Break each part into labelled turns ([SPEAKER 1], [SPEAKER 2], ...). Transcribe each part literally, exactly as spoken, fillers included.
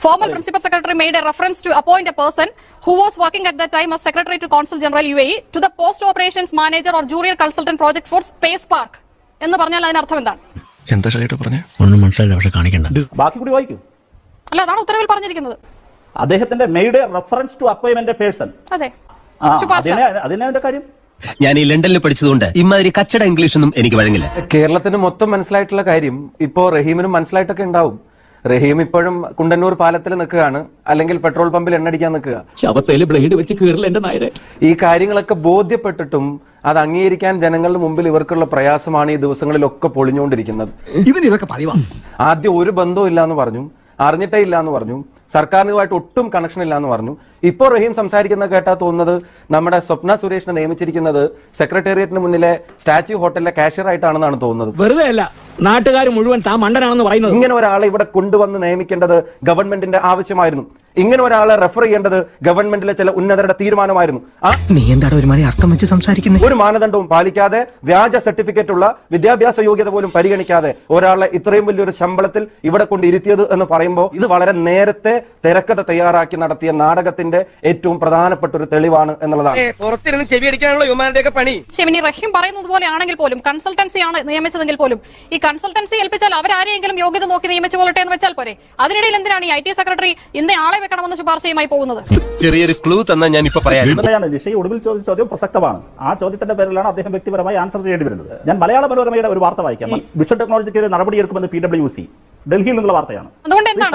[SPEAKER 1] Former Principal Secretary made a reference to appoint a person who was working at that time as Secretary to Consul General U A E to the Post Operations Manager or Junior Consultant Project for Space Park. എന്ന് പറഞ്ഞാൽ അതിന്റെ അർത്ഥം എന്താണ്?
[SPEAKER 2] എന്താ ഷൈട്ട് പറഞ്ഞേ?
[SPEAKER 3] ഒന്നും മനസ്സിലായില്ല, പക്ഷെ കാണിക്കണ്ട.
[SPEAKER 4] ബാക്കി കൂടി വായിക്കൂ.
[SPEAKER 1] അല്ല, അതാണ് ഉത്തരവിൽ പറഞ്ഞിരിക്കുന്നത്.
[SPEAKER 4] അദ്ദേഹത്തിന്റെ made reference to appointment person.
[SPEAKER 1] അതെ,
[SPEAKER 4] അതിനെ അതിന്റെ കാര്യം.
[SPEAKER 5] ഞാൻ ഈ ലണ്ടനിൽ പഠിച്ചതുകൊണ്ട് ഇമാതിരി കച്ചട ഇംഗ്ലീഷൊന്നും എനിക്ക് വഴങ്ങില്ല.
[SPEAKER 6] കേരളത്തിന് മൊത്തം മനസ്സിലായിട്ടുള്ള കാര്യം ഇപ്പോ റഹീമിനും മനസ്സിലായിട്ടൊക്കെ ഉണ്ടാവും. റഹീം ഇപ്പോഴും കുണ്ടന്നൂർ പാലത്തിൽ നിൽക്കുകയാണ്, അല്ലെങ്കിൽ പെട്രോൾ പമ്പിൽ എണ്ണടിക്കാൻ നിൽക്കുക.
[SPEAKER 3] ബ്ലേഡ് വെച്ച് കീറില്ല എന്റെ നായരെ.
[SPEAKER 6] ഈ കാര്യങ്ങളൊക്കെ ബോധ്യപ്പെട്ടിട്ടും അത് അംഗീകരിക്കാൻ ജനങ്ങളുടെ മുമ്പിൽ ഇവർക്കുള്ള പ്രയാസമാണ് ഈ ദിവസങ്ങളിലൊക്കെ പൊളിഞ്ഞുകൊണ്ടിരിക്കുന്നത്.
[SPEAKER 3] ഇവൻ ഇതൊക്കെ പറയുവാ.
[SPEAKER 6] ആദ്യം ഒരു ബന്ധവും ഇല്ല എന്ന് പറഞ്ഞു, അറിഞ്ഞിട്ടേ ഇല്ല എന്ന് പറഞ്ഞു, സർക്കാരിനുമായിട്ട് ഒട്ടും കണക്ഷൻ ഇല്ല എന്ന് പറഞ്ഞു. ഇപ്പോൾ റഹീം സംസാരിക്കുന്ന കേട്ടാ തോന്നുന്നത് നമ്മുടെ സ്വപ്ന സുരേഷിനെ നിയമിച്ചിരിക്കുന്നത് സെക്രട്ടേറിയറ്റിന് മുന്നിലെ സ്റ്റാച്യു ഹോട്ടലിലെ കാഷ്യർ ആയിട്ടാണെന്നാണ് തോന്നുന്നത്.
[SPEAKER 3] വെറുതെ അല്ല, നാട്ടുകാർ മുഴുവൻ താൻ മണ്ടനാണെന്ന് പറയുന്നത്.
[SPEAKER 6] ഇങ്ങനെ ഒരാളെ ഇവിടെ കൊണ്ടുവന്ന് നിയമിക്കേണ്ടത് ഗവൺമെന്റിന്റെ ആവശ്യമായിരുന്നു. ഇങ്ങനെ ഒരാളെ റെഫർ ചെയ്യേണ്ടത് ഗവൺമെന്റിലെ ചില ഉന്നതരുടെ തീരുമാനമായിരുന്നു.
[SPEAKER 5] നീ എന്താണ് ഒരു മണി അർത്ഥം വെച്ച് സംസാരിക്കുന്നത്?
[SPEAKER 6] ഒരു മാനദണ്ഡവും പാലിക്കാതെ വ്യാജ സർട്ടിഫിക്കറ്റ് ഉള്ള വിദ്യാഭ്യാസ യോഗ്യത പോലും പരിഗണിക്കാതെ ഒരാളെ ഇത്രയും വലിയൊരു ശമ്പളത്തിൽ ഇവിടെ കൊണ്ട് ഇരുത്തിയത് എന്ന് പറയുമ്പോൾ ഇത് വളരെ നേരത്തെ തിരക്കഥ തയ്യാറാക്കി നടത്തിയ നാടകത്തിന്റെ ഏറ്റവും പ്രധാനപ്പെട്ട ഒരു തെളിവാണ് എന്നുള്ളതാണ്.
[SPEAKER 5] പുറത്തിരുന്ന് ചെവി അടിക്കാനുള്ള യുമാരുടെയൊക്കെ പണി.
[SPEAKER 1] ശിവനി, റഹീം പറയുന്നത് പോലെ ആണെങ്കിൽ പോലും കൺസൾട്ടൻസി ആണ് നിയമിച്ചതെങ്കിൽ പോലും ഈ കൺസൾട്ടൻസി ഏൽപ്പിച്ചാൽ അവരാരെങ്കിലും യോഗ്യത നോക്കി നിയമിച്ചു കൊള്ളട്ടെ എന്ന് വെച്ചാൽ പോരെ. അതിനിടയിൽ എന്തിനാണ് ഈ ഐ ടി സെക്രട്ടറി ഇന്ന ആളെ വെക്കണമെന്ന് ശുപാർശയുമായി പോകുന്നത്?
[SPEAKER 5] ചെറിയൊരു ക്ലൂ തന്നാൽ ഞാൻ ഇപ്പൊ പറയാം.
[SPEAKER 4] നിഷയെ ഒടുവിൽ ചോദിച്ച ചോദ്യം പ്രസക്തമാണ്. ആ ചോദ്യത്തിന്റെ പേരിലാണ് അദ്ദേഹം വ്യക്തിപരമായി ആൻസർ ചെയ്യേണ്ടി വരുന്നത്. ഞാൻ മലയാള മനോരമയുടെ ഒരു വാർത്ത വായിക്കാം. വിഷൻ ടെക്നോളജിക്ക് നടപടിയെടുക്കുമെന്ന് പി ഡബ്ല്യു സി ഡൽഹിയിൽ നിന്നുള്ള വാർത്തയാണ്.
[SPEAKER 1] അതുകൊണ്ട് എന്താണ്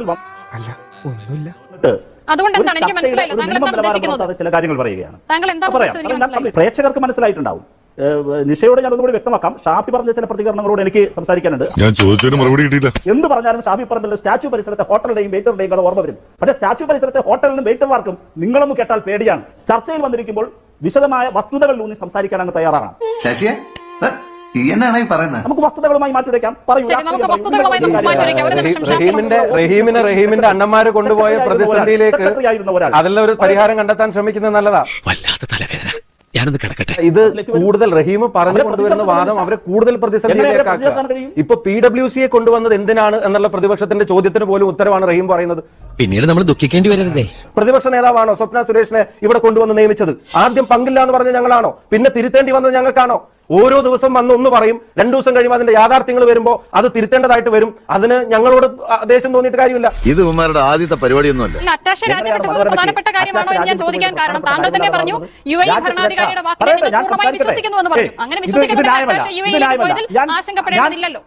[SPEAKER 1] അതുകൊണ്ട് എന്താണ് എനിക്ക് മനസ്സിലായില്ല. താങ്കൾ എന്താണ് ഉദ്ദേശിക്കുന്നത്?
[SPEAKER 4] ചില കാര്യങ്ങൾ പറയുകയാണ്.
[SPEAKER 1] താങ്കൾ എന്താണ്
[SPEAKER 4] പ്രേക്ഷകർക്ക് മനസ്സിലായിട്ടുണ്ടാവും. നിഷയോട് ഞാൻ ഒന്നുകൂടി വ്യക്തമാക്കാം. ഷാഫി പറഞ്ഞ ചില പ്രതികരണങ്ങളോട് എനിക്ക് സംസാരിക്കാനുണ്ട്.
[SPEAKER 2] ഞാൻ ചോദിച്ചതിന് മറുപടി കിട്ടിയില്ല.
[SPEAKER 4] എന്ത് പറഞ്ഞാലും ഷാഫി പറമ്പിൽ സ്റ്റാച്യു പരിസരത്തെ ഹോട്ടലിന്റെയും വെയിറ്ററിന്റെയും കഥ ഓർമ്മ വരും. പക്ഷേ സ്റ്റാച്യു പരിസരത്തെ ഹോട്ടലിനും വെയിറ്റർമാർക്കും നിങ്ങളൊന്നും കേട്ടാൽ പേടിയാണ്. ചർച്ചയിൽ വന്നിരിക്കുമ്പോൾ വിശദമായ വസ്തുതകൾ ഊന്നി സംസാരിക്കാൻ അങ്ങ് തയ്യാറാണ്. നമുക്ക് വസ്തുതകളുമായി മാറ്റിവെക്കാം.
[SPEAKER 6] റഹീമിന്റെ റഹീമിനെ റഹീമിന്റെ അണ്ണന്മാര് കൊണ്ടുപോയ പ്രതിസന്ധിയിലേക്ക് അതെല്ലാം ഒരു പരിഹാരം കണ്ടെത്താൻ ശ്രമിക്കുന്നത് നല്ലതാ.
[SPEAKER 3] വല്ലാത്ത തലവേദന, ഞാനൊന്ന് കിടക്കട്ടെ.
[SPEAKER 6] ഇത് കൂടുതൽ റഹീം പറഞ്ഞു കൊണ്ടുവരുന്ന വാദം അവരെ കൂടുതൽ പ്രതിസന്ധിയിലേക്കാക്കുക. ഇപ്പൊ പി ഡബ്ല്യു സിയെ കൊണ്ടുവന്നത് എന്തിനാണ് എന്നുള്ള പ്രതിപക്ഷത്തിന്റെ ചോദ്യത്തിന് പോലും ഉത്തരവാണ് റഹീം പറയുന്നത്.
[SPEAKER 5] പിന്നീട് നമ്മൾ ദുഃഖിക്കേണ്ടി വരരുതേ.
[SPEAKER 6] പ്രതിപക്ഷ നേതാവാണോ സ്വപ്ന സുരേഷിനെ ഇവിടെ കൊണ്ടുവന്ന് നിയമിച്ചത്? ആദ്യം പങ്കില്ല എന്ന് പറഞ്ഞ ഞങ്ങളാണോ? പിന്നെ തിരുത്തേണ്ടി വന്നത് ഞങ്ങൾക്കാണോ? ഓരോ ദിവസം വന്ന് ഒന്ന് പറയും, രണ്ടു ദിവസം കഴിയുമ്പോൾ അതിന്റെ യാഥാർത്ഥ്യങ്ങൾ വരുമ്പോൾ അത് തിരുത്തേണ്ടതായിട്ട് വരും. അതിന് ഞങ്ങളോട് ദേശം തോന്നിയിട്ട് കാര്യമില്ല.
[SPEAKER 2] ഇത് ഉമ്മാരുടെ ആദ്യത്തെ പരിപാടിയൊന്നുമല്ല.
[SPEAKER 1] പ്രധാനപ്പെട്ട കാര്യമാണോ എന്ന് ഞാൻ ചോദിക്കാൻ കാരണം താങ്കൾ തന്നെ പറഞ്ഞു യു എ ഇ ഭരണാധികാരിയുടെ വാക്കിനെ നിങ്ങൾ പൂർണ്ണമായി വിശ്വസിക്കുന്നു എന്ന് പറഞ്ഞു. അങ്ങനെ വിശ്വസിക്കുന്നതിൽ യു എ ഇയിലേക്ക് പോയതിൽ ആശങ്കപ്പെടേണ്ടതില്ലല്ലോ.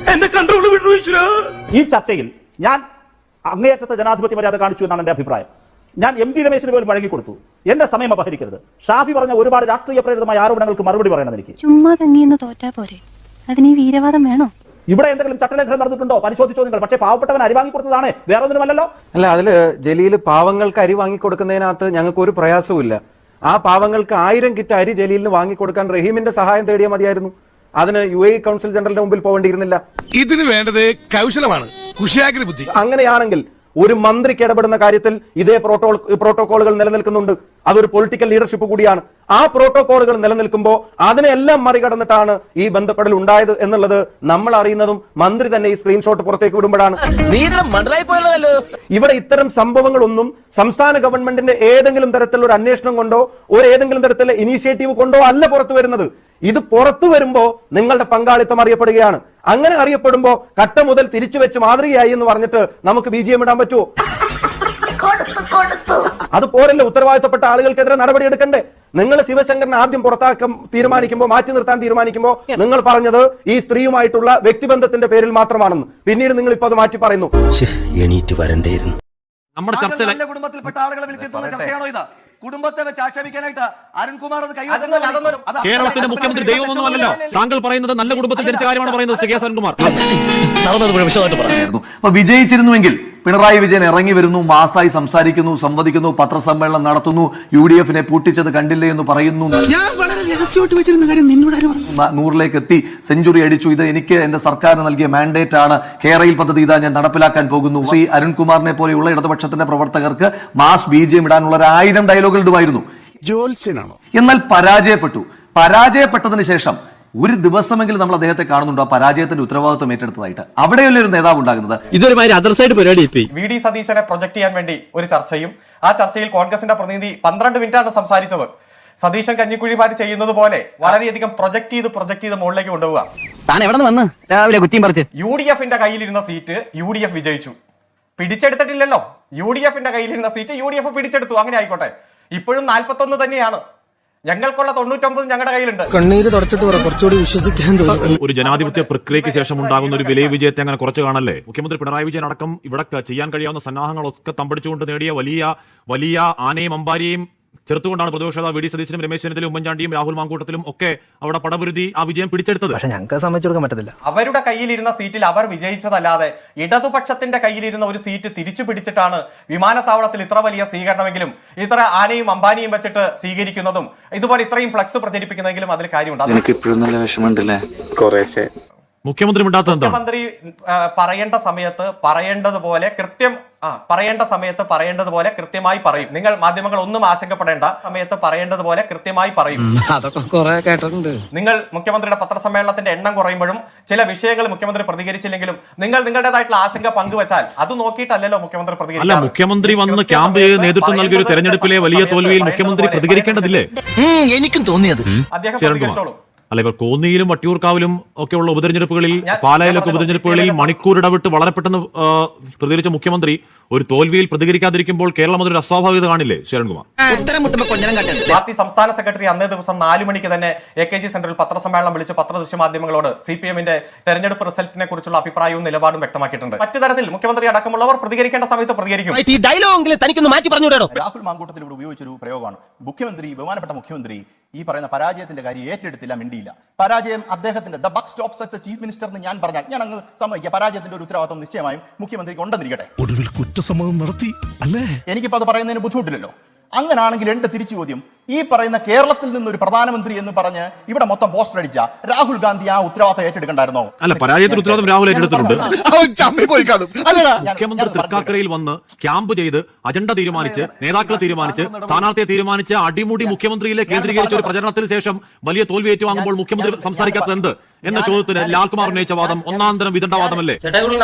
[SPEAKER 4] ഈ ചർച്ചയിൽ ഞാൻ അങ്ങേയറ്റത്തെ ജനാധിപത്യ മര്യാദ കാണിച്ചു എന്നാണ് എന്റെ അഭിപ്രായം. ഞാൻ എം ടി രമേശിന് പോലും വഴങ്ങി കൊടുത്തു. എന്റെ സമയം അപഹരിക്കരുത്. ഷാഫി പറഞ്ഞ ഒരുപാട് രാഷ്ട്രീയ പ്രേരിതമായ ആരോപണങ്ങൾക്ക് മറുപടി പറയണം. എനിക്ക്
[SPEAKER 7] ചുമ്മാ തങ്ങിയെന്ന് തോറ്റാ പോരെ, അതിന് വീരവാദം വേണോ?
[SPEAKER 4] ഇവിടെ എന്തെങ്കിലും ചട്ടലംഘനം നടന്നിട്ടുണ്ടോ പരിശോധിച്ചോ നിങ്ങൾ? പക്ഷേ പാവപ്പെട്ടവൻ അരി വാങ്ങി കൊടുത്തതാണ്, വേറെ ഒന്നുമല്ലല്ലോ.
[SPEAKER 6] അല്ല, അതില് ജലീൽ പാവങ്ങൾക്ക് അരി വാങ്ങിക്കൊടുക്കുന്നതിനകത്ത് ഞങ്ങൾക്ക് ഒരു പ്രയാസവും ഇല്ല. ആ പാവങ്ങൾക്ക് ആയിരം കിറ്റ് അരി ജലീലിന് വാങ്ങിക്കൊടുക്കാൻ റഹീമിന്റെ സഹായം തേടിയാൽ മതിയായിരുന്നു. അതിന് യു എ കൗൺസിൽ ജനറലിന്റെ മുമ്പിൽ പോകേണ്ടിയിരുന്നില്ല.
[SPEAKER 2] ഇതിന് വേണ്ടത് കൗശലമാണ്, കുശാഗ്ര ബുദ്ധി.
[SPEAKER 6] അങ്ങനെയാണെങ്കിൽ ഒരു മന്ത്രിക്ക് ഇടപെടുന്ന കാര്യത്തിൽ ഇതേ പ്രോട്ടോ പ്രോട്ടോകോളുകൾ നിലനിൽക്കുന്നുണ്ട്. അതൊരു പൊളിറ്റിക്കൽ ലീഡർഷിപ്പ് കൂടിയാണ്. ആ പ്രോട്ടോകോളുകൾ നിലനിൽക്കുമ്പോൾ അതിനെല്ലാം മറികടന്നിട്ടാണ് ഈ ബന്ധപ്പെടൽ ഉണ്ടായത് എന്നുള്ളത് നമ്മൾ അറിയുന്നതും മന്ത്രി തന്നെ ഈ സ്ക്രീൻഷോട്ട് പുറത്തേക്ക് വിടുമ്പോഴാണ്. ഇവിടെ ഇത്തരം സംഭവങ്ങളൊന്നും സംസ്ഥാന ഗവൺമെന്റിന്റെ ഏതെങ്കിലും തരത്തിലുള്ള ഒരു അന്വേഷണം കൊണ്ടോ ഒരു ഏതെങ്കിലും തരത്തിലുള്ള ഇനീഷ്യേറ്റീവ് കൊണ്ടോ അല്ല പുറത്തു വരുന്നത്. ഇത് പുറത്തു വരുമ്പോ നിങ്ങളുടെ പങ്കാളിത്തം അറിയപ്പെടുകയാണ്. അങ്ങനെ അറിയപ്പെടുമ്പോ കട്ട മുതൽ തിരിച്ചു വെച്ച് മാതൃകയായി എന്ന് പറഞ്ഞിട്ട് നമുക്ക് ബി ജി എം ഇടാൻ പറ്റുമോ? അത് പോരല്ലോ. ഉത്തരവാദിത്തപ്പെട്ട ആളുകൾക്കെതിരെ നടപടി എടുക്കണ്ടേ? നിങ്ങൾ ശിവശങ്കരനെ ആദ്യം പുറത്താക്കാൻ തീരുമാനിക്കുമ്പോൾ, മാറ്റി നിർത്താൻ തീരുമാനിക്കുമ്പോൾ നിങ്ങൾ പറഞ്ഞത് ഈ സ്ത്രീയുമായിട്ടുള്ള വ്യക്തിബന്ധത്തിന്റെ പേരിൽ മാത്രമാണെന്ന്. പിന്നീട് നിങ്ങൾ ഇപ്പൊ അത് മാറ്റി പറയുന്നു.
[SPEAKER 5] എണീറ്റ് വരണ്ടേയിരുന്നു.
[SPEAKER 8] നമ്മുടെ ചർച്ച കുടുംബത്തിൽപ്പെട്ട ആളുകളെ വിളിച്ചിട്ടുള്ള ചർച്ചയാണോ ഇത്? കുടുംബത്തെ വെച്ച് ആക്ഷേപിക്കാനായിട്ട് അരുൺകുമാർ അത് കൈ
[SPEAKER 9] കേരളത്തിന്റെ മുഖ്യമന്ത്രി ദൈവമൊന്നുമല്ലല്ലോ. താങ്കൾ പറയുന്നത് നല്ല കുടുംബത്തിൽ ജനിച്ച കാര്യമാണ് പറയുന്നത്. ശ്രീ എസ് അരുൺകുമാർ
[SPEAKER 8] അപ്പൊ വിജയിച്ചിരുന്നുവെങ്കിൽ പിണറായി വിജയൻ ഇറങ്ങി വരുന്നു, മാസായി സംസാരിക്കുന്നു, സംവദിക്കുന്നു, പത്രസമ്മേളനം നടത്തുന്നു, യു ഡി എഫിനെ പൂട്ടിച്ചത് കണ്ടില്ലേ എന്ന് പറയുന്നു, നൂറിലേക്ക് എത്തി, സെഞ്ചുറി അടിച്ചു, ഇത് എനിക്ക് എന്റെ സർക്കാരിന് നൽകിയ മാൻഡേറ്റ് ആണ്, കേരയിൽ പദ്ധതി ഇതാ ഞാൻ നടപ്പിലാക്കാൻ പോകുന്നു. ശ്രീ അരുൺകുമാറിനെ പോലെയുള്ള ഇടതുപക്ഷത്തിന്റെ പ്രവർത്തകർക്ക് മാസ് ബി ജെ എം ഇടാനുള്ള ഒരു ആയിരം ഡയലോഗുകൾ ഇടുമായിരുന്നു. എന്നാൽ പരാജയപ്പെട്ടു. പരാജയപ്പെട്ടതിന് ശേഷം ഒരു ദിവസമെങ്കിലും നമ്മൾ അദ്ദേഹത്തെ കാണുന്നുണ്ടോ ആ പരാജയത്തിന്റെ ഉത്തരവാദിത്വം ഏറ്റെടുത്തതായിട്ട്? അവിടെയല്ലേ ഒരു നേതാവ് ഉണ്ടാകുന്നത്?
[SPEAKER 3] ഇതൊരു മാതിരി അതർ സൈഡ് പരിപാടി
[SPEAKER 10] വി ഡി സതീശനെ പ്രൊജക്ട് ചെയ്യാൻ വേണ്ടി ഒരു ചർച്ചയും ആ ചർച്ചയിൽ കോൺഗ്രസിന്റെ പ്രതിനിധി പന്ത്രണ്ട് മിനിറ്റാണ് സംസാരിച്ചത്. സതീശൻ കഞ്ഞിക്കുഴിമാര് ചെയ്യുന്നത് പോലെ വളരെയധികം പ്രൊജക്ട് ചെയ്ത് പ്രൊജക്ട് ചെയ്ത് മുകളിലേക്ക് കൊണ്ടുപോവുക.
[SPEAKER 3] താൻ എവിടെ നിന്ന് വന്ന് രാവിലെ കുറ്റിയും പറിച്ച്
[SPEAKER 10] യു ഡി എഫിന്റെ കയ്യിലിരുന്ന സീറ്റ് യു ഡി എഫ് വിജയിച്ചു. പിടിച്ചെടുത്തിട്ടില്ലല്ലോ. യു ഡി എഫിന്റെ കയ്യിലിരുന്ന സീറ്റ് യു ഡി എഫ് പിടിച്ചെടുത്തു. അങ്ങനെ ആയിക്കോട്ടെ. ഇപ്പോഴും നാൽപ്പത്തൊന്ന് തന്നെയാണ്. ഞങ്ങൾക്കുള്ള തൊണ്ണൂറ്റൊമ്പത് ഞങ്ങളുടെ കയ്യിലുണ്ട്.
[SPEAKER 5] കണ്ണീര് തുടച്ചിട്ട് കുറച്ചുകൂടി വിശ്വസിക്കാൻ തോന്നുന്നു.
[SPEAKER 9] ഒരു ജനാധിപത്യ പ്രക്രിയയ്ക്ക് ശേഷം ഉണ്ടാകുന്ന ഒരു വിലയ വിജയത്തെ അങ്ങനെ കുറച്ച് കാണല്ലേ? മുഖ്യമന്ത്രി പിണറായി വിജയൻ അടക്കം ഇവിടെ ചെയ്യാൻ കഴിയാവുന്ന സന്നാഹങ്ങളൊക്കെ തമ്പടിച്ചുകൊണ്ട് നേടിയ വലിയ വലിയ ആനയും അമ്പാരിയും ചെറുത്തുകൊണ്ടാണ് പ്രതിപക്ഷ നേതാവ് വി ഡി സതീശനും രമേശ് ചെന്നിത്തലയും ഉമ്മൻചാണ്ടിയും രാഹുൽ മാങ്കൂട്ടത്തിലും ഒക്കെ അവിടെ പടപുരുതി ആ വിജയം പിടിച്ചെടുത്തത്.
[SPEAKER 5] പക്ഷെ ഞങ്ങൾക്ക് സമ്മതിച്ചു കൊടുക്കാൻ പറ്റത്തില്ല.
[SPEAKER 10] അവരുടെ കയ്യിലിരുന്ന സീറ്റിൽ അവർ വിജയിച്ചതല്ലാതെ ഇടതുപക്ഷത്തിന്റെ കയ്യിലിരുന്ന ഒരു സീറ്റ് തിരിച്ചു പിടിച്ചിട്ടാണ് വിമാനത്താവളത്തിൽ ഇത്ര വലിയ സ്വീകരണമെങ്കിലും ഇത്ര ആനയും അമ്പാനിയും വെച്ചിട്ട് സ്വീകരിക്കുന്നതും ഇതുപോലെ ഇത്രയും ഫ്ലക്സ് പ്രചരിപ്പിക്കുന്നതെങ്കിലും അതിൽ കാര്യമുണ്ട്.
[SPEAKER 5] ഇപ്പോഴും നല്ല വിഷമമുണ്ടല്ലേ? കുറേശ്ശെ.
[SPEAKER 9] മുഖ്യമന്ത്രി
[SPEAKER 10] മുഖ്യമന്ത്രി പറയേണ്ട സമയത്ത് പറയേണ്ടതുപോലെ കൃത്യം ആ പറയേണ്ട സമയത്ത് പറയേണ്ടതുപോലെ കൃത്യമായി പറയും. നിങ്ങൾ മാധ്യമങ്ങൾ ഒന്നും ആശങ്കപ്പെടേണ്ട. സമയത്ത് പറയേണ്ടതുപോലെ കൃത്യമായി പറയും.
[SPEAKER 5] അതൊക്കെ കുറെ കേട്ടിട്ടുണ്ട്.
[SPEAKER 10] നിങ്ങൾ മുഖ്യമന്ത്രിയുടെ പത്രസമ്മേളനത്തിന്റെ എണ്ണം കുറയുമ്പോഴും ചില വിഷയങ്ങൾ മുഖ്യമന്ത്രി പ്രതികരിച്ചില്ലെങ്കിലും നിങ്ങൾ നിങ്ങളുടേതായിട്ടുള്ള ആശങ്ക പങ്കുവച്ചാൽ അത് നോക്കിയിട്ടല്ലോ മുഖ്യമന്ത്രി പ്രതികരിക്കും.
[SPEAKER 9] അല്ല, മുഖ്യമന്ത്രി വന്ന് ക്യാമ്പ് ചെയ്ത് നേതൃത്വം നൽകിയ ഒരു തെരഞ്ഞെടുപ്പിലെ വലിയ തോൽവിയിൽ മുഖ്യമന്ത്രി പ്രതികരിക്കേണ്ടതില്ലേ?
[SPEAKER 5] എനിക്കും തോന്നിയത്.
[SPEAKER 10] അദ്ദേഹം പ്രതികരിച്ചോളൂ.
[SPEAKER 9] അല്ല, ഇവർ കോന്നിയിലും വട്ടിയൂർക്കാവിലും ഒക്കെയുള്ള ഉപതെരഞ്ഞെടുപ്പുകളിൽ, പാലായിലൊക്കെ ഉപതെരഞ്ഞെടുപ്പുകളിൽ മണിക്കൂർ ഇടവിട്ട് വളരെ പെട്ടെന്ന് പ്രതികരിച്ച മുഖ്യമന്ത്രി ഒരു തോൽവിയിൽ പ്രതികരിക്കാതിരിക്കുമ്പോൾ കേരളം അതൊരു അസ്വാഭാവികത കാണില്ലേ ശരൺകുമാർ?
[SPEAKER 10] പാർട്ടി സംസ്ഥാന സെക്രട്ടറി അന്നേ ദിവസം നാലു മണിക്ക് തന്നെ എ കെ ജി സെന്ററിൽ പത്രസമ്മേളനം വിളിച്ച് പത്രദൃശ്യ മാധ്യമങ്ങളോട് സി പി എമ്മിന്റെ തെരഞ്ഞെടുപ്പ് റിസൾട്ടിനെ കുറിച്ചുള്ള അഭിപ്രായവും നിലപാടും വ്യക്തമാക്കിയിട്ടുണ്ട്. മറ്റു തരത്തിൽ മുഖ്യമന്ത്രി അടക്കമുള്ളവർ പ്രതികരിക്കേണ്ട സമയത്ത് പ്രതികരിക്കും.
[SPEAKER 2] രാഹുൽ മാങ്കൂട്ടത്തിൽ ഇവിടെ ഉപയോഗിച്ചൊരു പ്രയോഗമാണ്, മുഖ്യമന്ത്രി ബഹുമാനപ്പെട്ട മുഖ്യമന്ത്രി ഈ പറയുന്ന പരാജയത്തിന്റെ കാര്യം ഏറ്റെടുത്തില്ല, മിണ്ടിയില്ല. പരാജയം അദ്ദേഹത്തിന്റെ the buck stops at the chief minister എന്ന് ഞാൻ പറഞ്ഞാൽ ഞാൻ അങ്ങ് സമ്മതിക്കുക. പരാജയത്തിന്റെ ഒരു ഉത്തരവാദിത്വം നിശ്ചയമായും മുഖ്യമന്ത്രിക്ക് ഉണ്ടെന്നിരിക്കട്ടെ. ഒടുവിൽ കുറ്റസമ്മതം നടത്തി അല്ലേ? എനിക്കിപ്പോ അത് പറയുന്നതിന് ബുദ്ധിമുട്ടില്ലല്ലോ. അങ്ങനാണെങ്കിൽ എന്റെ തിരിച്ചു ചോദ്യം, ഈ പറയുന്ന കേരളത്തിൽ നിന്നൊരു പ്രധാനമന്ത്രി എന്ന് പറഞ്ഞ് ഇവിടെ മൊത്തം പോസ്റ്റർ അടിച്ച രാഹുൽ ഗാന്ധി ആ ഉത്തരവാദിത്തം ഏറ്റെടുക്കണ്ടായിരുന്നോ?
[SPEAKER 9] അല്ല, പരാജയത്തിന്റെ ഉത്തരവാദിത്തം രാഹുൽ ഏറ്റെടുത്തിട്ടുണ്ട്. മുഖ്യമന്ത്രി തൃക്കാക്കരയിൽ വന്ന് ക്യാമ്പ് ചെയ്ത് അജണ്ട തീരുമാനിച്ച് നേതാക്കളെ തീരുമാനിച്ച് സ്ഥാനാർത്ഥിയെ തീരുമാനിച്ച് അടിമുടി മുഖ്യമന്ത്രിയിലെ കേന്ദ്രീകരിച്ച ഒരു പ്രചരണത്തിന് ശേഷം വലിയ തോൽവി ഏറ്റുവാങ്ങുമ്പോൾ മുഖ്യമന്ത്രി സംസാരിക്കാത്തത് എന്ത് എന്ന ചോദ്യത്തിന് ലാൽകുമാർ ഉന്നയിച്ച വാദം ഒന്നാം തരം വിദണ്ഡവാദമല്ലേ?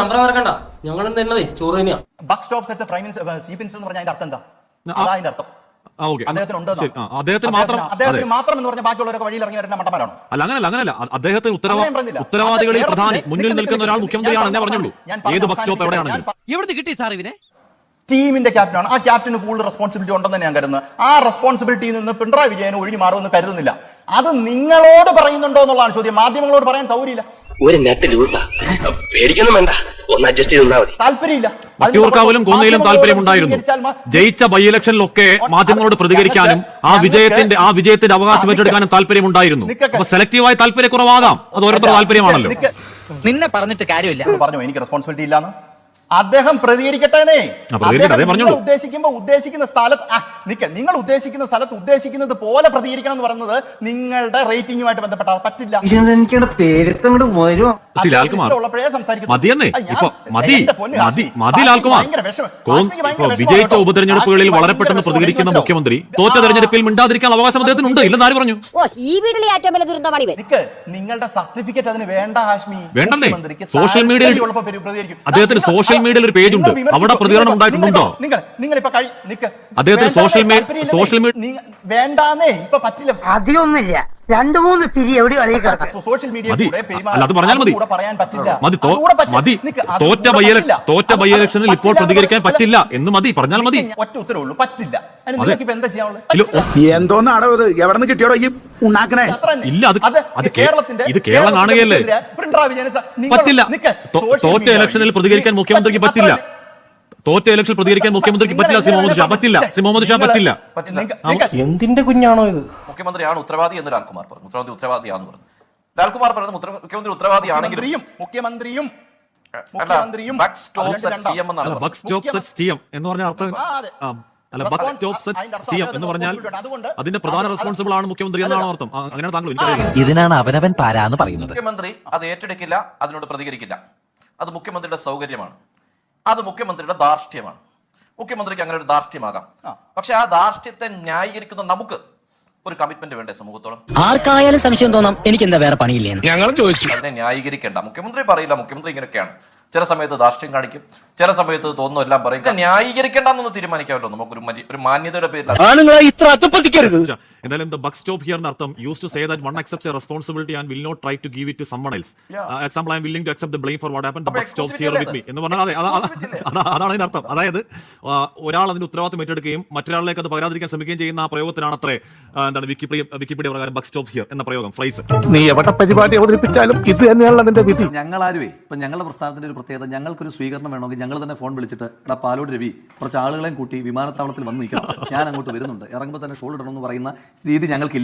[SPEAKER 2] Buck stops at prime minister chief minister എന്ന് പറഞ്ഞാൽ അതിന്റെ അർത്ഥം എന്താ? അതിന്റെ അർത്ഥം അദ്ദേഹത്തിന് മാത്രം അദ്ദേഹത്തിന് മാത്രം എന്ന് പറഞ്ഞാൽ ബാക്കിയുള്ളവരൊക്കെ വഴിയിൽ ഇറങ്ങി വരുന്ന മട്ടന്മാരാണോ?
[SPEAKER 9] അല്ല, അങ്ങനല്ല അങ്ങനല്ല അദ്ദേഹത്തിന് ഉത്തരവാദികളിൽ പ്രധാനി മുന്നിൽ നിൽക്കുന്ന ഒരാൾ മുഖ്യമന്ത്രിയാണെന്നേ പറഞ്ഞുള്ളൂ. ഏത് ബസ് സ്റ്റോപ്പ് എവിടെയാണെങ്കിലും
[SPEAKER 5] എവിടെ കിട്ടി സാർ ഇവനെ?
[SPEAKER 2] ടീമിന്റെ ക്യാപ്റ്റനാണ്. ആ ക്യാപ്റ്റന് കൂടുതൽ റെസ്പോൺസിബിലിറ്റി ഉണ്ടെന്ന് ഞാൻ കരുതുന്നത്. ആ റെസ്പോൺസിബിലിറ്റിയിൽ നിന്ന് പിണറായി വിജയന് ഒഴിഞ്ഞു മാറുമെന്ന് കരുതുന്നില്ല. അത് നിങ്ങളോട് പറയുന്നുണ്ടോ എന്നുള്ളതാണ് ചോദ്യം. മാധ്യമങ്ങളോട് പറയാൻ സൗകര്യമില്ല.
[SPEAKER 5] ഒരു നെറ്റ് ലൂസാ, പേടിക്കൊന്നും വേണ്ട, ഒന്ന് അഡ്ജസ്റ്റ് ചെയ്താൽ മതി.
[SPEAKER 2] താല്പര്യമില്ല.
[SPEAKER 9] വട്ടിയൂർക്കാവിലും കോന്നിയിലും താല്പര്യമുണ്ടായിരുന്നു. ജയിച്ച ബൈ ഇലക്ഷനിലൊക്കെ മാധ്യമങ്ങളോട് പ്രതികരിക്കാനും ആ വിജയത്തിന്റെ ആ വിജയത്തിന്റെ അവകാശം ഏറ്റെടുക്കാനും താല്പര്യമുണ്ടായിരുന്നു. അപ്പൊ സെലക്റ്റീവായ താല്പര്യക്കുറവാകാം, അത് ഓരോരുത്തരുടെ താല്പര്യമാണല്ലോ.
[SPEAKER 5] നിന്നെ പറഞ്ഞിട്ട് കാര്യമില്ല.
[SPEAKER 2] പറഞ്ഞു എനിക്ക് റെസ്പോൺസിബിലിറ്റി ഇല്ലാന്ന്. അദ്ദേഹം പ്രതികരിക്കട്ടേനെ. ഉദ്ദേശിക്കുമ്പോ ഉദ്ദേശിക്കുന്ന സ്ഥലത്ത് നിക്ക നിങ്ങൾ ഉദ്ദേശിക്കുന്ന സ്ഥലത്ത് ഉദ്ദേശിക്കുന്നത് പോലെ പ്രതികരിക്കണം എന്ന് പറയുന്നത് നിങ്ങളുടെ റേറ്റിംഗുമായിട്ട് ബന്ധപ്പെട്ട പറ്റില്ല.
[SPEAKER 9] വിജയിച്ച ഉപതെരഞ്ഞെടുപ്പുകളിൽ വളരെ പെട്ടെന്ന് പ്രതികരിക്കുന്ന മുഖ്യമന്ത്രി തോറ്റ തെരഞ്ഞെടുപ്പിൽ മിണ്ടാതിരിക്കാൻ അവകാശം അദ്ദേഹത്തിനുണ്ട്. ഇല്ലെന്ന് ആര് പറഞ്ഞു?
[SPEAKER 2] നിങ്ങളുടെ സർട്ടിഫിക്കറ്റ് അതിന് വേണ്ട ഹാഷ്മി.
[SPEAKER 9] വേണ്ടെന്നേ. സോഷ്യൽ മീഡിയയിൽ അദ്ദേഹത്തിന് സോഷ്യൽ മീഡിയയിൽ ഒരു പേജ് ഉണ്ട്, അവിടെ പ്രതികരണം ഉണ്ടായിട്ടുണ്ടോ? അദ്ദേഹത്തിന് സോഷ്യൽ മീഡിയ സോഷ്യൽ മീഡിയ
[SPEAKER 2] വേണ്ടാന്നേ ഇപ്പൊ പറ്റില്ല.
[SPEAKER 11] അധികമൊന്നുമില്ല, രണ്ടു മൂന്ന് തിരി എവിടെ
[SPEAKER 2] സോഷ്യൽ മീഡിയ
[SPEAKER 9] അല്ല, അത് പറഞ്ഞാൽ മതി.
[SPEAKER 2] പറയാൻ പറ്റില്ല.
[SPEAKER 9] മതി മതി തോറ്റ ബൈ തോറ്റ ബൈ ഇലക്ഷനിൽ ഇപ്പോൾ പ്രതികരിക്കാൻ പറ്റില്ല എന്ന് മതി, പറഞ്ഞാൽ മതി.
[SPEAKER 2] ഒറ്റ ഉത്തരവുള്ളൂ, പറ്റില്ല. എന്താ ചെയ്യാനുള്ളത്?
[SPEAKER 3] എന്തോന്നാണോ ഇത്? എവിടെ നിന്ന് കിട്ടിയോടോ ഈ ഉണ്ടാക്കണേ?
[SPEAKER 9] ഇല്ല, അത് ഇത് കേരളം കാണുകയല്ലേ? പറ്റില്ല. തോറ്റ ഇലക്ഷനിൽ പ്രതികരിക്കാൻ മുഖ്യമന്ത്രിക്ക് പറ്റില്ല. തോറ്റ ഇലക്ഷൻ പ്രതികരിക്കാൻ മുഖ്യമന്ത്രിക്ക് പറ്റില്ല. ശ്രീ മുഹമ്മദ് ഷാ പറ്റില്ല. ശ്രീ മുഹമ്മദ് ഷാ പറ്റില്ല.
[SPEAKER 5] എന്തിന്റെ കുഞ്ഞാണോ ഇത്?
[SPEAKER 10] മുഖ്യമന്ത്രിയാണ് ഉത്തരവാദി എന്ന് ലാൽകുമാർ പറഞ്ഞു. മുഖ്യമന്ത്രി ഉത്തരവാദിയാണെന്ന് പറഞ്ഞു. ലാൽകുമാർ പറയുന്നത് മുഖ്യമന്ത്രി ഉത്തരവാദിയാണെങ്കിലും
[SPEAKER 2] മുഖ്യമന്ത്രിയും
[SPEAKER 9] എന്ന് പറഞ്ഞ അർത്ഥം അല്ല, ബക്ക് സ്റ്റോപ്പ് സിഎം എന്ന് പറഞ്ഞാൽ അതിന്റെ പ്രധാന റെസ്പോൺസിബിൾ ആണ് മുഖ്യമന്ത്രി എന്നാണ് അർത്ഥം. അങ്ങനെയാണ് താങ്കൾ എനിക്കറിയാം.
[SPEAKER 5] ഇതിനാണ് അവനവൻ പാരാന്ന് പറയുന്നത്.
[SPEAKER 10] മുഖ്യമന്ത്രി അത് ഏറ്റെടുക്കില്ല, അതിനോട് പ്രതികരിക്കില്ല. അത് മുഖ്യമന്ത്രിയുടെ സൗകര്യമാണ്, അത് മുഖ്യമന്ത്രിയുടെ ധാർഷ്ട്യമാണ്. മുഖ്യമന്ത്രിക്ക് അങ്ങനെ ഒരു ധാർഷ്ട്യമാകാം. പക്ഷെ ആ ധാർഷ്ട്യത്തെ ന്യായീകരിക്കുന്ന നമുക്ക്
[SPEAKER 8] ഒരു കമ്മിറ്റ്മെന്റ് വേണ്ടേ സമൂഹത്തോളം?
[SPEAKER 11] ആർക്കായാലും സംശയം തോന്നാം എനിക്ക് എന്താ വേറെ പണിയില്ലേന്ന്.
[SPEAKER 3] ഞങ്ങളും ചോദിച്ചു.
[SPEAKER 8] അതിനെ ന്യായീകരിക്കേണ്ട. മുഖ്യമന്ത്രി പറയില്ല, മുഖ്യമന്ത്രി ഇങ്ങനെയൊക്കെയാണ്. ചില സമയത്ത് ധാർഷ്ട്യം കാണിക്കും, ചില സമയത്ത് തോന്നുന്നു എല്ലാം പറയും. ന്യായീകരിക്കേണ്ടെന്നൊന്ന് തീരുമാനിക്കാമല്ലോ നമുക്കൊരു ഒരു മാന്യതയുടെ പേരിൽ.
[SPEAKER 3] ആണുങ്ങളെ ഇത്ര അത്തപ്പത്തിക്കരുത്.
[SPEAKER 9] എന്തായാലും the buck stop here അർത്ഥം used to say that one accepts a responsibility and will not try to give it to someone else. Example, I am willing to accept the blame for what happened. The buck stops here with me എന്ന് പറഞ്ഞാൽ അതെ അതാണ് അതിന്റെ അർത്ഥം. അതായത് ഒരാൾ അതിന്റെ ഉത്തരവാദിത്വം ഏറ്റെടുക്കുകയും മറ്റൊരാളിലേക്ക് അത് പകരാതിരിക്കാൻ ശ്രമിക്കുകയും ചെയ്യുന്ന ആ പ്രയോഗത്തിനാണ് അത്രേ എന്താണ് വിക്കിപീഡിയ വിക്കിപീഡിയ പ്രകാരം ബക്ക് സ്റ്റോപ്പ് ഹിയർ എന്ന പ്രയോഗം ഫ്രൈസ്.
[SPEAKER 3] നീ എവിടെ പരിപാടി അവതരിപ്പിച്ചാലും ഇത് തന്നെയാണ് അതിന്റെ വിധി.
[SPEAKER 8] ഞങ്ങളാരുവേ ഇപ്പൊ ഞങ്ങളുടെ പ്രസ്ഥാനത്തിന്റെ ഒരു പ്രത്യേകത, ഞങ്ങൾക്കൊരു സ്വീകരണം വേണമെങ്കിൽ ഞങ്ങൾ തന്നെ ഫോൺ വിളിച്ചിട്ട് എടാ പാലോട് രവി കുറച്ച് ആളുകളെയും കൂട്ടി വിമാനത്താവളത്തിൽ വന്ന് നിൽക്കണം, ഞാൻ അങ്ങോട്ട് വരുന്നുണ്ട്, ഇറങ്ങുമ്പോൾ തന്നെ ഷോൾ ഇടണം എന്ന് പറയുന്ന രീതി ഞങ്ങൾക്കില്ല.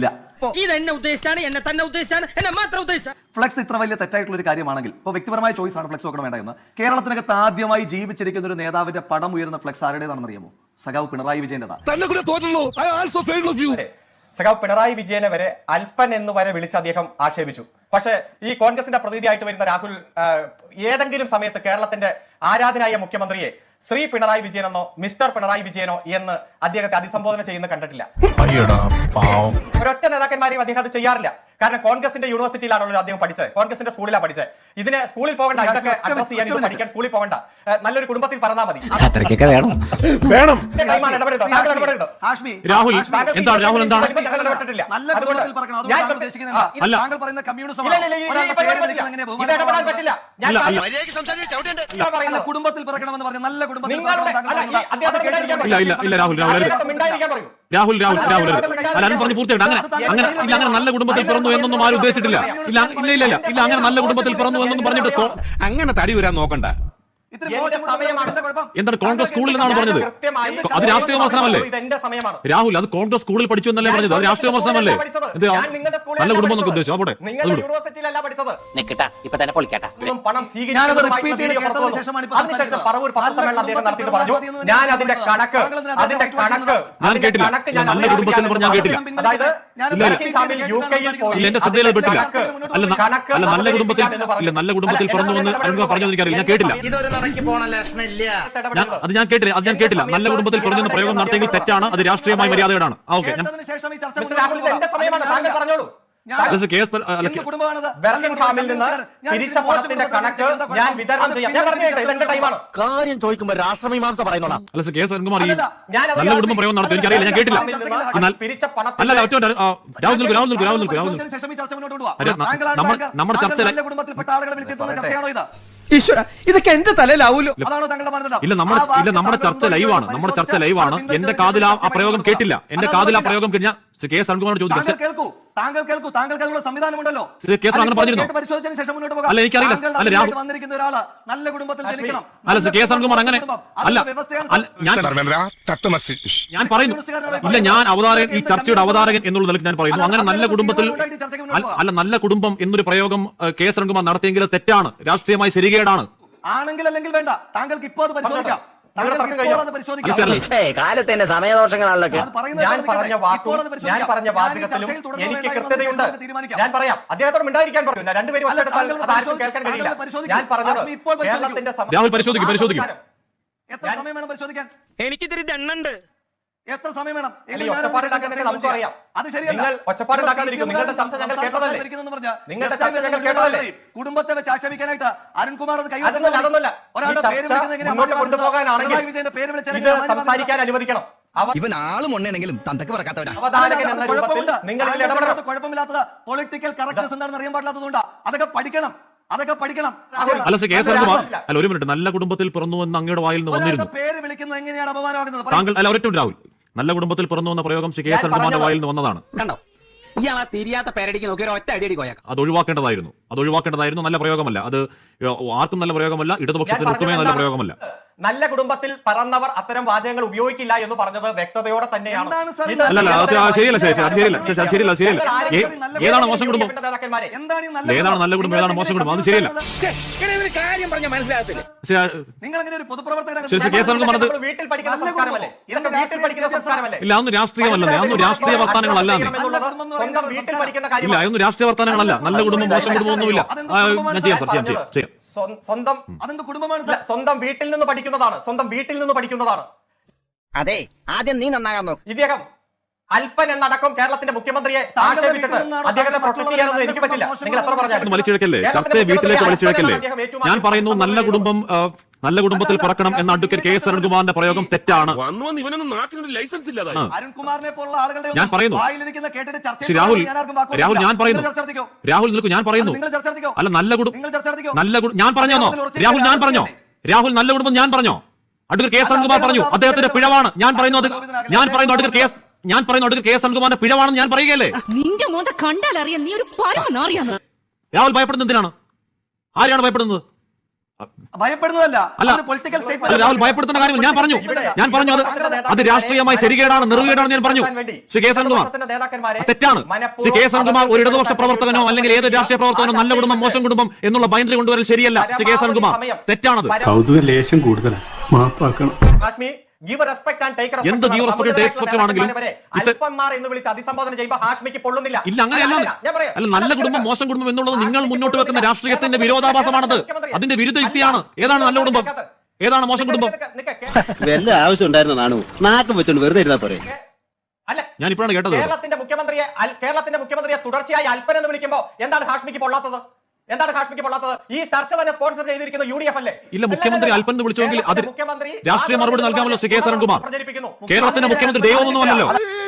[SPEAKER 8] ഫ്ലെക്സ് ഇത്ര വലിയ തെറ്റായിട്ടുള്ള ഒരു കാര്യമാണെങ്കിൽ ഇപ്പോൾ വ്യക്തിപരമായ ചോയ്സ് ആണ് ഫ്ലെക്സ് വെക്കണം വേണ്ട എന്ന്. കേരളത്തിനകത്ത് ആദ്യമായി ജീവിച്ചിരിക്കുന്ന ഒരു നേതാവിന്റെ പടം ഉയരുന്ന ഫ്ലെക്സ് ആരുടേതാണെന്ന് അറിയാമോ? സഖാവ് പിണറായി വിജയന്റേതാണ്.
[SPEAKER 10] സഖാവ് പിണറായി വിജയനെ വരെ അല്പൻ എന്ന് വരെ വിളിച്ച് അദ്ദേഹം ആക്ഷേപിച്ചു. പക്ഷേ ഈ കോൺഗ്രസിന്റെ പ്രതിനിധിയായിട്ട് വരുന്ന രാഹുൽ ഏതെങ്കിലും സമയത്ത് കേരളത്തിന്റെ ആരാധനായ മുഖ്യമന്ത്രിയെ ശ്രീ പിണറായി വിജയനെന്നോ മിസ്റ്റർ പിണറായി വിജയനോ എന്ന് അദ്ദേഹത്തെ അഭിസംബോധന ചെയ്യുന്ന കണ്ടിട്ടില്ല. ഒരൊറ്റ നേതാക്കന്മാരെയും അദ്ദേഹം അത് ചെയ്യാറില്ല. കാരണം കോൺഗ്രസിന്റെ യൂണിവേഴ്സിറ്റിയിലാണല്ലോ അദ്ദേഹം പഠിച്ചത്, കോൺഗ്രസിന്റെ സ്കൂളിലാണ് പഠിച്ചത്. ഇതിന് സ്കൂളിൽ പോകണ്ട, ഇതൊക്കെ അഡ്രസ് ചെയ്യാൻ ഇത് പഠിക്കാൻ സ്കൂളിൽ പോകണ്ട, നല്ലൊരു കുടുംബത്തിൽ പറഞ്ഞാൽ മതി.
[SPEAKER 3] വേണം
[SPEAKER 9] രാഹുൽ എന്താണ് രാഹുൽ എന്താണ്
[SPEAKER 8] കുടുംബത്തിൽ പിറക്കണമെന്ന് പറഞ്ഞ നല്ല കുടുംബത്തിൽ
[SPEAKER 9] രാഹുൽ രാഹുൽ രാഹുൽ അല്ലാരും പറഞ്ഞു പൂർത്തിയായിട്ട് അങ്ങനെ അങ്ങനെ ഇല്ല അങ്ങനെ നല്ല കുടുംബത്തിൽ പിറന്നു എന്നൊന്നും ആരും ഉദ്ദേശിച്ചിട്ടില്ല. ഇല്ല ഇല്ല ഇല്ല ഇല്ല അങ്ങനെ നല്ല കുടുംബത്തിൽ പിറന്നു എന്നൊന്നും പറഞ്ഞിട്ട്
[SPEAKER 3] അങ്ങനെ തടി വരാൻ നോക്കണ്ട.
[SPEAKER 9] എന്താണ് കോൺഗ്രസ് സ്കൂളിൽ നിന്നാണ് പറഞ്ഞത്? അത് രാഷ്ട്രീയ വിമർശനമല്ലേ രാഹുൽ? അത് കോൺഗ്രസ് സ്കൂളിൽ പഠിച്ചു എന്നല്ലേ പറഞ്ഞത്? അത് രാഷ്ട്രീയ വിമർശനമല്ലേ? നല്ല കുടുംബം എന്നൊക്കെ ഉദ്ദേശിച്ചു. അവിടെ
[SPEAKER 10] ഞാൻ അതിന്റെ കണക്ക് അതിന്റെ കണക്ക്
[SPEAKER 9] ഞാൻ കേട്ടില്ല. നല്ല കുടുംബത്തിൽ എന്ന് പറഞ്ഞാൽ ഞാൻ കേട്ടില്ല. എന്റെ ശ്രദ്ധയിൽ പെട്ടില്ല. അല്ല അല്ല നല്ല കുടുംബത്തിൽ ഇല്ല നല്ല കുടുംബത്തിൽ പിറന്നു എന്ന് പറഞ്ഞു എനിക്കറിയില്ല, ഞാൻ കേട്ടില്ല. അത് ഞാൻ കേട്ടില്ല അത് ഞാൻ കേട്ടില്ല നല്ല കുടുംബത്തിൽ പിറന്നു പ്രയോഗം നടത്തിയെങ്കിൽ തെറ്റാണ്, അത് രാഷ്ട്രീയമായ മര്യാദയോടാണ്. ഓക്കെ
[SPEAKER 3] കാര്യം ചോദിക്കുമ്പോ രാഷ്ട്രമീമാംസ പറയുന്നോളാം.
[SPEAKER 9] അല്ല കെ എസ് അരുൺകുമാർ ഈ നല്ല കുടുംബം പ്രയോഗം നടത്തും എനിക്കറിയില്ല, ഞാൻ കേട്ടില്ല. അല്ല ഒറ്റ രാഹുൽ നിൽക്കും രാഹുൽ നിൽക്കും രാഹുൽ നിൽക്കും രാഹുൽ നമ്മുടെ ചർച്ച
[SPEAKER 3] ഈശ്വര ഇതൊക്കെ എന്റെ തലയിലാവൂലോ.
[SPEAKER 9] ഇല്ല നമ്മുടെ ഇല്ല നമ്മുടെ ചർച്ച ലൈവാണ് നമ്മുടെ ചർച്ച ലൈവാണ് എന്റെ കാതിൽ ആ പ്രയോഗം കേട്ടില്ല. എന്റെ കാതിൽ ആ പ്രയോഗം കഴിഞ്ഞാൽ കെ എസ് അരുൺകുമാർ ചോദിച്ചു
[SPEAKER 8] താങ്കൾ കേൾക്കൂ, താങ്കൾക്ക് അതിനുള്ള സംവിധാനമുണ്ടല്ലോ.
[SPEAKER 9] അങ്ങനെ പറഞ്ഞിരുന്നു.
[SPEAKER 8] പരിശോധിച്ചതിന് ശേഷം മുന്നോട്ട് പോകാം.
[SPEAKER 9] അല്ല എനിക്കറിയില്ല. അല്ല രാഹുൽ
[SPEAKER 8] വന്നിരിക്കുന്ന ഒരാള് നല്ല കുടുംബത്തിൽ ജനിക്കണം.
[SPEAKER 9] അല്ല കെ എസ് അരുൺകുമാർ അങ്ങനെ അല്ല ഞാൻ ഞാൻ പറയുന്നു ഇല്ല ഞാൻ അവതാരകൻ ഈ ചർച്ചയുടെ അവതാരകൻ എന്നുള്ള നിലയ്ക്ക് ഞാൻ പറയുന്നു അങ്ങനെ നല്ല കുടുംബത്തിൽ അല്ല നല്ല കുടുംബം എന്നൊരു പ്രയോഗം കെ എസ് അരുൺകുമാർ നടത്തിയെങ്കിൽ തെറ്റാണ്, രാഷ്ട്രീയമായി ശരികേടാണ്.
[SPEAKER 8] ആണെങ്കിൽ അല്ലെങ്കിൽ വേണ്ട, താങ്കൾക്ക് ഇപ്പോൾ അത് പരിശോധിക്കാം.
[SPEAKER 11] കാലത്തിന്റെ സമയദോഷങ്ങളാണല്ലോ.
[SPEAKER 10] ഞാൻ പറഞ്ഞ വാക്കും ഞാൻ പറഞ്ഞ വാചകത്തിലും എനിക്ക് കൃത്യതയുണ്ട്. ഞാൻ പറയാം, അദ്ദേഹത്തോട് മിണ്ടായിരിക്കാൻ പറഞ്ഞു. രണ്ടുപേരും കേൾക്കാൻ കഴിയില്ല. ഞാൻ പറഞ്ഞത് കേരളത്തിന്റെ
[SPEAKER 9] രാഹുൽ പരിശോധിക്കും പരിശോധിക്കും
[SPEAKER 8] എത്ര സമയം വേണം പരിശോധിക്കാൻ?
[SPEAKER 11] എനിക്കിതിരി ദണ്ണുണ്ട്.
[SPEAKER 8] എത്ര സമയം വേണം?
[SPEAKER 10] ഒച്ചപ്പാടുണ്ടാക്കാനൊക്കെ നമുക്കറിയാം. അത് ശരിയല്ല. ഒച്ചപ്പാടുണ്ടാക്കാതിരിക്കും. നിങ്ങളുടെ ചർച്ച ഞങ്ങൾ കേട്ടതല്ലേ? നിങ്ങളുടെ ചർച്ച ഞങ്ങൾ കേട്ടതല്ലേ?
[SPEAKER 8] കുടുംബത്തെ വെച്ച് ആക്ഷേപിക്കാനായിട്ട് അരുൺകുമാർ അത് കൈ
[SPEAKER 10] അതൊന്നുമല്ല അതൊന്നുമല്ല മുന്നോട്ട് കൊണ്ടുപോകാനാണെങ്കിൽ ഇത് സംസാരിക്കാൻ അനുവദിക്കണം.
[SPEAKER 5] ഇവൻ ആളും ഉണ്ടെങ്കിലും തന്തക്ക് പറക്കാത്തവനാ.
[SPEAKER 10] അവതാരകൻ എന്ന രൂപത്തിൽ നിങ്ങൾ ഇതിൽ ഇടപെടണം.
[SPEAKER 8] കുഴപ്പമില്ലാത്തത് പൊളിറ്റിക്കൽ കറക്റ്റ്നസ് എന്താണെന്ന് അറിയാൻ പാടില്ലാത്തതുകൊണ്ടാ. അതൊക്കെ പഠിക്കണം, അതൊക്കെ പഠിക്കണം.
[SPEAKER 9] അല്ല കെ എസ് അരുൺകുമാർ അല്ല ഒരു മിനിറ്റ് നല്ല കുടുംബത്തിൽ പിറന്നു എന്ന് അങ്ങയുടെ വായിൽ നിന്ന് വന്നിരുന്നു.
[SPEAKER 8] പേര് വിളിക്കുന്നത് എങ്ങനെയാണ് അപമാനമാകുന്നത്?
[SPEAKER 9] താങ്കൾ അല്ല ഒരൊറ്റ രാഹുൽ നല്ല കുടുംബത്തിൽ പിറന്നു എന്ന പ്രയോഗം കെ എസ് അരുൺകുമാറിന്റെ വായിൽ നിന്ന് വന്നതാണ്.
[SPEAKER 11] ഇയാളാ തിരിയാത്ത പേരടിക്ക് നോക്കി ഒറ്റ അടി അടി കോയാക്കാം.
[SPEAKER 9] അത് ഒഴിവാക്കേണ്ടതായിരുന്നു അത് ഒഴിവാക്കേണ്ടതായിരുന്നു നല്ല പ്രയോഗമല്ല. അത് ആർക്കും നല്ല പ്രയോഗമല്ല, ഇടതുപക്ഷത്തിന് ഒട്ടുമേ നല്ല പ്രയോഗമല്ല.
[SPEAKER 10] നല്ല കുടുംബത്തിൽ പറന്നവർ അത്തരം വാചകങ്ങൾ ഉപയോഗിക്കില്ല എന്ന് പറഞ്ഞത് വ്യക്തതയോടെ തന്നെയാണ്.
[SPEAKER 9] അല്ലല്ല ശരിയല്ല ശരിയല്ല ശരിയല്ല ശരിയല്ല ഏതാണ് മോശം കുടുംബം ഏതാണ് നല്ല കുടുംബം ഏതാണ് മോശം കുടുംബം അത് ശരിയല്ല. ഇല്ല അതൊന്നും രാഷ്ട്രീയമല്ല അതൊന്നും രാഷ്ട്രീയ വർത്താനങ്ങളല്ല ഇല്ല അതൊന്നും രാഷ്ട്രീയ വർത്താനങ്ങളല്ല. നല്ല കുടുംബം മോശം കുടുംബം ഒന്നുമില്ല. ഞാൻ ചെയ്യാം സാർ ചെയ്യാം ചെയ്യാം
[SPEAKER 10] സ്വന്തം അതെന്ത് കുടുംബമാണ്? സ്വന്തം വീട്ടിൽ നിന്ന് പഠിക്കുന്നതാണ് സ്വന്തം വീട്ടിൽ നിന്ന് പഠിക്കുന്നതാണ്.
[SPEAKER 11] അതെ ആദ്യം നീ നന്നാകാൻ നോക്ക്.
[SPEAKER 10] ഇദ്ദേഹം അല്പൻ എന്നടക്കം കേരളത്തിന്റെ മുഖ്യമന്ത്രിയെ ആക്ഷേപിച്ചിട്ട് അദ്ദേഹത്തെ പ്രൊട്ടക്ട് ചെയ്യാനൊന്നും എനിക്ക് പറ്റില്ല. നിങ്ങൾ എത്ര പറഞ്ഞാലും
[SPEAKER 9] വലിച്ചിഴക്കല്ലേ, ചർച്ചയെ വീട്ടിലേക്ക് വലിച്ചിഴക്കല്ലേ. ഞാൻ പറയുന്നു നല്ല കുടുംബം ആ, നല്ല കുടുംബത്തിൽ പിറക്കണം എന്ന അഡ്വക്കേറ്റ് കെ എസ് അരുൺകുമാറിന്റെ പ്രയോഗം തെറ്റാണ്.
[SPEAKER 8] അരുൺകുമാറിനെ പോലുള്ള ആളുകളുടെ
[SPEAKER 9] ഞാൻ പറയുന്നു
[SPEAKER 8] വായിലിരിക്കുന്ന കേട്ടിട്ട് ചർച്ച
[SPEAKER 9] ശ്രീ രാഹുൽ
[SPEAKER 8] ചെയ്യാൻ ആർക്കും വാക്കുകൊടുക്കില്ല.
[SPEAKER 9] രാഹുൽ ഞാൻ പറയുന്നു
[SPEAKER 8] നിങ്ങൾ ചർച്ച നടത്തിക്കോ.
[SPEAKER 9] രാഹുൽ നിൽക്കൂ, ഞാൻ പറയുന്നു
[SPEAKER 8] നിങ്ങൾ ചർച്ച നടത്തിക്കോ.
[SPEAKER 9] അല്ല നല്ല കുടുംബം
[SPEAKER 8] നിങ്ങൾ ചർച്ച നടത്തിക്കോ.
[SPEAKER 9] നല്ല കുടു- ഞാൻ പറഞ്ഞോ രാഹുൽ ഞാൻ പറഞ്ഞോ രാഹുൽ നല്ല കുടുംബം ഞാൻ പറഞ്ഞോ അഡ്വക്കേറ്റ് കെ എസ് അരുൺകുമാർ പറഞ്ഞു അദ്ദേഹത്തിന്റെ പിഴവാണ് ഞാൻ പറയുന്നു. അത് ഞാൻ പറയുന്നു അഡ്വക്കേറ്റ് കെ എസ് ഞാൻ പറയുന്നു അഡ്വക്കേറ്റ് കെ എസ് അരുൺകുമാറിന്റെ പിഴവാണെന്ന് ഞാൻ പറയുകയല്ലേ.
[SPEAKER 7] നിന്റെ മോന്ത കണ്ടാലറിയാം നീ ഒരു പരമനാറിയാന്ന്.
[SPEAKER 9] രാഹുൽ ഭയപ്പെടുന്നത് എന്തിനാണ്? ആരെയാണ് ഭയപ്പെടുന്നത്?
[SPEAKER 8] ഭയപ്പെടുന്നതല്ല.
[SPEAKER 9] അല്ല
[SPEAKER 8] അതൊരു പൊളിറ്റിക്കൽ
[SPEAKER 9] അല്ല,
[SPEAKER 8] സ്റ്റേറ്റ്മെന്റ്.
[SPEAKER 9] രാഹുൽ ഭയപ്പെടുത്തുന്ന കാര്യം ഞാൻ പറഞ്ഞു ഞാൻ പറഞ്ഞു അത് അത് രാഷ്ട്രീയമായി ശരികേടാണ്, നെറുകേടാണ് ഞാൻ പറഞ്ഞു. ശ്രീ കെ എസ് അരുൺകുമാർ തെറ്റാണ്. ശ്രീ കെ എസ് അരുൺകുമാർ ഒരു ഇടതുപക്ഷ പ്രവർത്തകനോ അല്ലെങ്കിൽ ഏത് രാഷ്ട്രീയ പ്രവർത്തകനോ നല്ല കുടുംബം മോശം കുടുംബം എന്നുള്ള ബൈൻഡറി കൊണ്ടുവരൽ ശരിയല്ല. ശ്രീ കെ എസ് അരുൺകുമാർ തെറ്റാണത്.
[SPEAKER 3] കൗതുക ലേശം കൂടുതലാണ്, മാപ്പാക്കണം.
[SPEAKER 10] Hashmi give respect and take respect
[SPEAKER 9] എന്ത് give respect, take respect ആണെങ്കിലും
[SPEAKER 10] അല്പന്മാർ എന്ന് വിളിച്ച് അഭിസംബോധന ചെയ്യുമ്പോൾ ഹാഷ്മിക്ക് പൊള്ളുന്നില്ല.
[SPEAKER 9] ഇല്ല അങ്ങനെയല്ല.
[SPEAKER 10] ഞാൻ പറയാം
[SPEAKER 9] അല്ല നല്ല കുടുംബം മോശം കുടുംബം എന്നുള്ളത് നിങ്ങൾ മുന്നോട്ട് വെക്കുന്ന രാഷ്ട്രീയത്തിന്റെ വിരോധാഭാസമാണത്. അതിന്റെ വിരുദ്ധ യുക്തിയാണ്. ഏതാണ് നല്ല കുടുംബം, ഏതാണ് മോശം കുടുംബം?
[SPEAKER 11] വല്ല ആവശ്യം ഉണ്ടായിരുന്ന നാണു നാക്കം വെച്ചോണ്ട് വെറുതെ ഇരുന്നാ പോരെ.
[SPEAKER 10] അല്ല
[SPEAKER 9] ഞാൻ ഇപ്പോഴാണ് കേട്ടത്.
[SPEAKER 10] കേരളത്തിന്റെ മുഖ്യമന്ത്രിയെ അൽ- കേരളത്തിന്റെ മുഖ്യമന്ത്രിയെ തുടർച്ചയായി അല്പൻ എന്ന് വിളിക്കുമ്പോൾ എന്താണ് ഹാഷ്മിക്ക് പൊള്ളാത്തത്? എന്താണ് ഹാഷ്മിക്ക് പൊള്ളാത്തത്? ഈ ചർച്ച തന്നെ സ്പോൺസർ ചെയ്തിരിക്കുന്ന യു ഡി എഫ് അല്ലേ?
[SPEAKER 9] ഇല്ല, മുഖ്യമന്ത്രി അല്പൻ എന്ന് വിളിച്ചുവെങ്കിൽ അത്
[SPEAKER 10] മുഖ്യമന്ത്രി
[SPEAKER 9] രാഷ്ട്രീയ മറുപടി നൽകാമല്ലോ ശ്രീ കെ എസ് അരുൺകുമാർ.
[SPEAKER 10] പ്രചരിപ്പിക്കുന്നു.
[SPEAKER 9] കേരളത്തിന്റെ മുഖ്യമന്ത്രി ദൈവമൊന്നുമല്ലല്ലോ.